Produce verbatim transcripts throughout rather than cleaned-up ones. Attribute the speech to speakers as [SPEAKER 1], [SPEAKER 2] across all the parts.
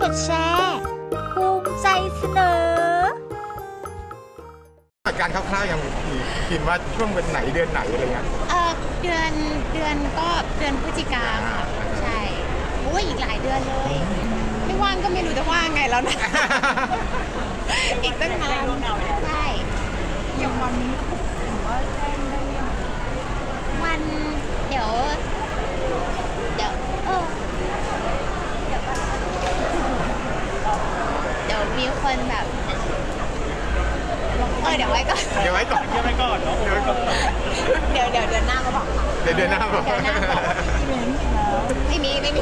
[SPEAKER 1] ดแชร์ภูมิใจเสนอ
[SPEAKER 2] การคร่าวๆยังคิดว่าช่วงเป็นไหนเดือนไหนอะไรเงี้ย
[SPEAKER 3] เออเดือนเดือนก็เดือนพฤศจิกาค่ะใช่โอ้ยอีกหลายเดือนเลยไม่ว่างก็ไม่รู้จะว่างไงแล้วนะ อีกตั้งนานใช่
[SPEAKER 1] อย่างวันนี้ถือว่าแจ้งได้ยัง
[SPEAKER 3] วันเดี๋ยวเดี๋ยวเออเดี๋ยวเดี๋ยวมีคนแบบเออเดี๋ยวไว้ก่อน
[SPEAKER 2] เดี๋ยวไว้ก่อน
[SPEAKER 4] เดี๋ยวไว้ก่อนเนาะเดี๋ยวไว้ก่อน
[SPEAKER 3] เดี๋ยวเดี๋ยวเดือนหน้ามาบอกค่ะ
[SPEAKER 2] เดี๋ยวเดือนหน้าบอก
[SPEAKER 3] เดือนหน้าบอกไม่มีไม่มี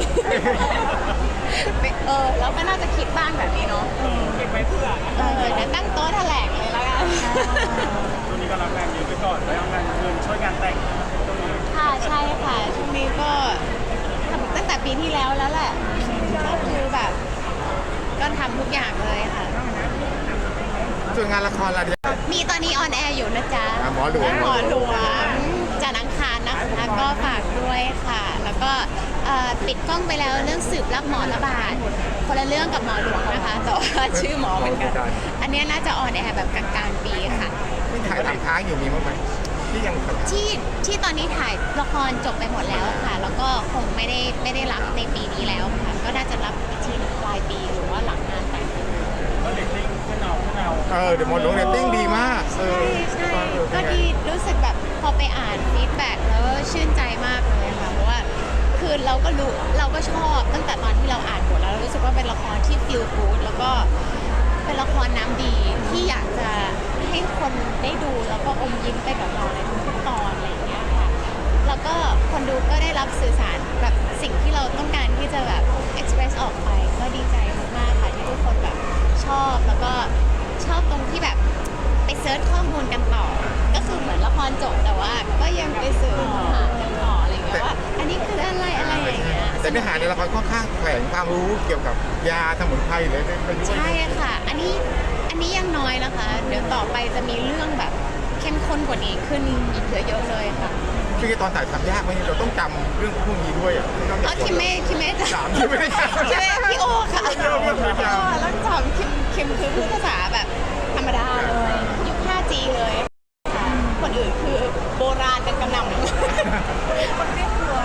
[SPEAKER 3] เออแล้วก็น่าจะคิดบ้างแบบนี้เนาะ
[SPEAKER 4] เก็บไว้เพื่อ
[SPEAKER 3] เออเดี๋ยวตั้งโต๊ะแถลงเลยแล้วกัน
[SPEAKER 4] ช่วงนี้ก็รับงานเยอะไปก่อนไปเอางานเงินช่วยงานแต่ง
[SPEAKER 3] ค่ะใช่ค่ะช่วงนี้ก็ทำตั้งแต่ปีที่แล้วแล้วแหละก็คือแบบก็ทำทุกอย่างเลยค่ะ
[SPEAKER 2] ส่วนงานละครอะไร
[SPEAKER 3] มีตอนนี้ออนแอร์อยู่นะจ๊ะ
[SPEAKER 2] หมอหลวง
[SPEAKER 3] หมอหลวงจันทร์อังคารนะคะก็ฝากด้วยค่ะแล้วก็ปิดกล้องไปแล้วเรื่องสืบรับหมอระบาดคนละเรื่องกับหมอหลวงนะคะแต่ว่าชื่อหมอเหมือนกันอันนี้น่าจะออนแอร์แบบกลางๆปีค่ะ
[SPEAKER 2] ที่ถ่ายทำค้างอยู่มีมั้งไหมที่ยัง
[SPEAKER 3] ที่ที่ตอนนี้ถ่ายละครจบไปหมดแล้วค่ะแล้วก็คงไม่ได้ไม่ได้รับในปีนี้แล้วค่ะก็น่าจะรับอีกทีปลายปีหรือว่าหลังงานแต่ง
[SPEAKER 4] ก็เรตติ้งขึ้นเอาขึ้นเอา
[SPEAKER 2] เออเดี๋ยวหมดลงเรตติ้งดีมาก
[SPEAKER 3] ใช่ใช่ก็ดีรู้สึกแบบพอไปอ่านฟีดแบ็กแล้วชื่นใจมากเลยค่ะเพราะว่าคือเราก็รู้เราก็ชอบตั้งแต่ตอนที่เราอ่านบทแล้วเรารู้สึกว่าเป็นละครที่ฟีลกู๊ดแล้วก็เป็นละครน้ำดีที่อยากจะให้คนได้ดูแล้วก็อมยิ้มไปกับเราในทุกๆตอนอะไรอย่างเงี้ยค่ะแล้วก็คนดูก็ได้รับสื่อสารแบบสิ่งที่เราต้องการที่จะแบบ express ออกไปก็ดีใจมากๆค่ะที่ทุกคนแบบชอบแล้วก็ชอบตรงที่แบบไปเซิร์ชข้อมูลกันต่อก็คือเหมือนละครจบแต่ว่าก็ยังไปสืบหากันต่ออะไรอย่างเงี้ยว่าอันนี้คืออะไรอะไรอย่างเงี้ย
[SPEAKER 2] แต่เนื้อหาในละครค่อนข้างแฝงความรู้เกี่ยวกับยาสมุนไพรเลยไปด้วย
[SPEAKER 3] ใช่ค่ะอันนี้อันนี้ยังน้อยนะคะเดี๋ยวต่อไปจะมีเรื่องแบบเข้มข้นกว่านี้ขึ้นอีกเยอะๆเลยค่ะ
[SPEAKER 2] คือตอนถ่ายทำยากไหมเราต้องจำเรื่องพวกนี้ด้วยอ่ะ
[SPEAKER 3] อ๋อคิมเม่คิมเม่จะ
[SPEAKER 2] สามคิมไม่ได้จำ
[SPEAKER 3] คิมเม่พี่โอค่ะแล้วจำคิมคิมคือพูดภาษาแบบธรรมดาเลยยุค ห้าจี เลยคนอื่นคือโบราณกันกระหน่ำ
[SPEAKER 1] คนเรียกตัว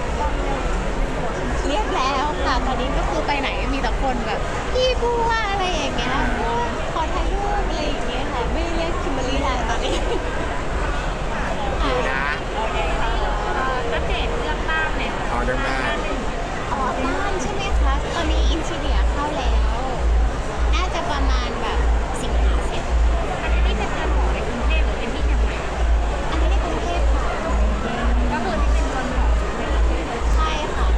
[SPEAKER 3] เรียกแล้วค่ะตอนนี้ก็คือไปไหนมีแต่คนแบบพี่กูว่าอะไรอย่างเงี้ยขอถ่ายรูปอะไรอย่างเงี้ยค่ะไม่เรียกคิมเบอร์รี่แล้วตอนนี้
[SPEAKER 2] อยู่นะ
[SPEAKER 1] อัปเดตเรื่องบ้านเนี่ย
[SPEAKER 2] อ๋อเรื่องบ้าน
[SPEAKER 3] อ๋อบ้านใช่ไหมคะตอนนี้อินทีเรียเข้าแล้วน่าจะประมาณแบบสิงหาเสร็จ
[SPEAKER 1] อันนี้เป็นการหอในกรุงเทพหรือเป็นที่เชียงใหม่
[SPEAKER 3] อันนี้ในกรุงเทพค่ะ
[SPEAKER 1] ก็คือที่เป็นคนหอ
[SPEAKER 3] ใช่ค่ะ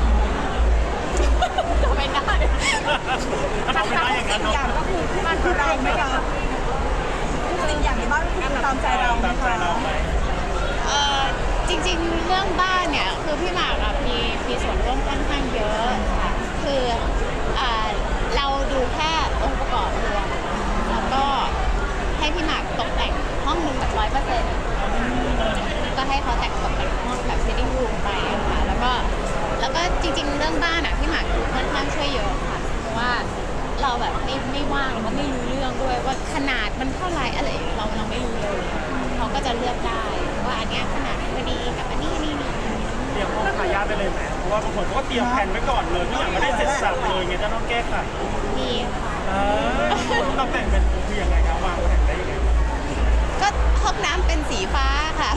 [SPEAKER 3] ทำไมได้
[SPEAKER 4] ทำไม่ได้อย่างนั้นเนาะ
[SPEAKER 1] อย่างก็คือบ้านของเราไหมคะสิ่งอย่างในบ้านคือตามใจเราไหมคะ
[SPEAKER 3] เอ่อจริงๆเรื่องบ้านเนี่ยคือพี่หมากอะมีมีส่วนร่วมค่อนข้างเยอะค่ะคืออ่าเราดูแค่องค์ประกอบรวมแล้วก็ให้พี่หมากตกแต่งห้องหนึ่งแบบร้อยเปอร์เซ็นต์ก็ให้เขาแต่งตกแต่งห้องแบบ sitting room ไปค่ะแล้วก็แล้วก็จริงๆเรื่องบ้านอะพี่หมากค่อนข้างช่วยเยอะค่ะเพราะว่าเราแบบไม่ไม่ว่างเราก็ไม่รู้เรื่องด้วยว่าขนาดมันเท่าไหร่อะไรเราเราไม่รู้เลยเขาก็จะเลือกได้ว่าอันนี้ขนาดพอดีกับอันนี้นี่นี่
[SPEAKER 4] เตรียมห้องทายาทไปเลยไหมเพราะว่าบางคนเขาก็เตรียมแผนไว้ก่อนเลยทุกอย่างไม่ได้เสร็จสับเลยไงจะต้องแก้ไข
[SPEAKER 3] มีค่ะ
[SPEAKER 4] เราแต่งเป็นคือยังไงครับวางแผนได้ยังไง
[SPEAKER 3] ก็ห้องน้ำเป็นสีฟ้าค่ะ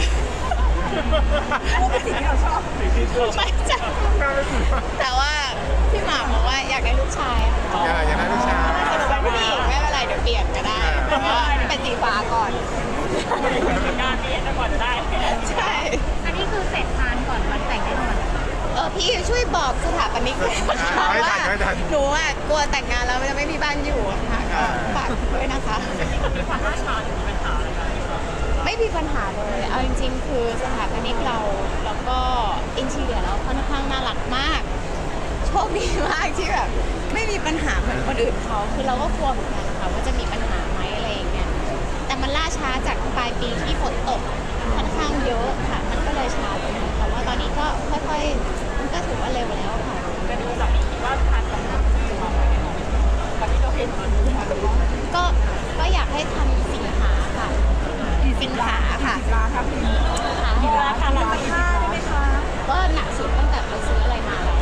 [SPEAKER 1] เป็นสิ่งที่เราชอบ
[SPEAKER 4] สิ่งที่ชอบ
[SPEAKER 3] ไม่ใช่แต่ว่าพี่หมากบอกว่าอยากได้ลูกชาย
[SPEAKER 2] อยากได้ลูกชาย
[SPEAKER 3] แต่หนูเป็นผู้หญิงไม่เป็นไรเดี๋ยวเปลี่ยนก็ได้แต่ว่าเป็นสีฟ้าก่อน
[SPEAKER 4] งานนี้จะก่อนจะได้
[SPEAKER 3] ใช่
[SPEAKER 1] อันนี้คือเสร็จทานก่อนวันแต่งแน่นอน
[SPEAKER 3] เออพี่ช่วยบอกสถาปนิกด้วยนะคะว่าหนูอ่ะกลัวแต่งงานแล้วจะไม่มีบ้านอยู่ค่ะก็ฝากด้วยนะคะ
[SPEAKER 4] มีความล่าช้าหรือมีปัญหาอะไรกัน
[SPEAKER 3] ไม่มีปัญหาเลยเอาจริงๆคือสถาปนิกเราแล้วก็อินทีเรียเราค่อนข้างน่ารักมากโชคดีมากที่แบบไม่มีปัญหาเหมือนคนอื่นเขาคือเราก็กลัวเหมือนกันนะคะว่าจะมีปัญหาไหมอะไรอย่างเงี้ยแต่มันล่าช้าจากปลายปีที่ฝนตกค่อนข้างเยอะค่ะมันก็เลยช้าไปแต่ว่าตอนนี้ก็ค่อยๆมันก็ถือว่าเร็วแล้วค่ะ
[SPEAKER 4] เป็นสามีคิดว่าทานกำลังจะมาไว้ในห้อง
[SPEAKER 3] ให้ทำสินหาค่ะสินหาค่ะ
[SPEAKER 1] ร้านครับพี่
[SPEAKER 3] ค่ะ
[SPEAKER 1] กี่ร้านคะร้านห้าได้ไหมคะ
[SPEAKER 3] ก็หนักสุดตั้งแต่ไปซื้ออะไรมาแล้ว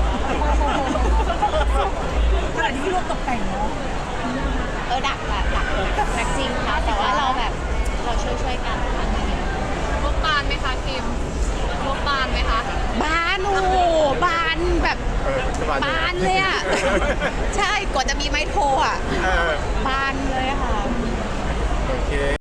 [SPEAKER 1] ขนาดที่พี่รวมตกแต่งเนาะ
[SPEAKER 3] เออดักแบบดักดักจริงค่ะ แต่ว่าเราแบบเราช่วยช่วยๆกันค่ะ
[SPEAKER 5] งบบานไหมคะคิมงบบานไหมคะ
[SPEAKER 3] บานโอ้โหบานแบบ
[SPEAKER 2] เออบ
[SPEAKER 3] านเลยอ่ะ ใช่กว่าจะมีไม้โทรอ่ะ
[SPEAKER 2] เออบ
[SPEAKER 3] านเลยค่ะ
[SPEAKER 2] โอเค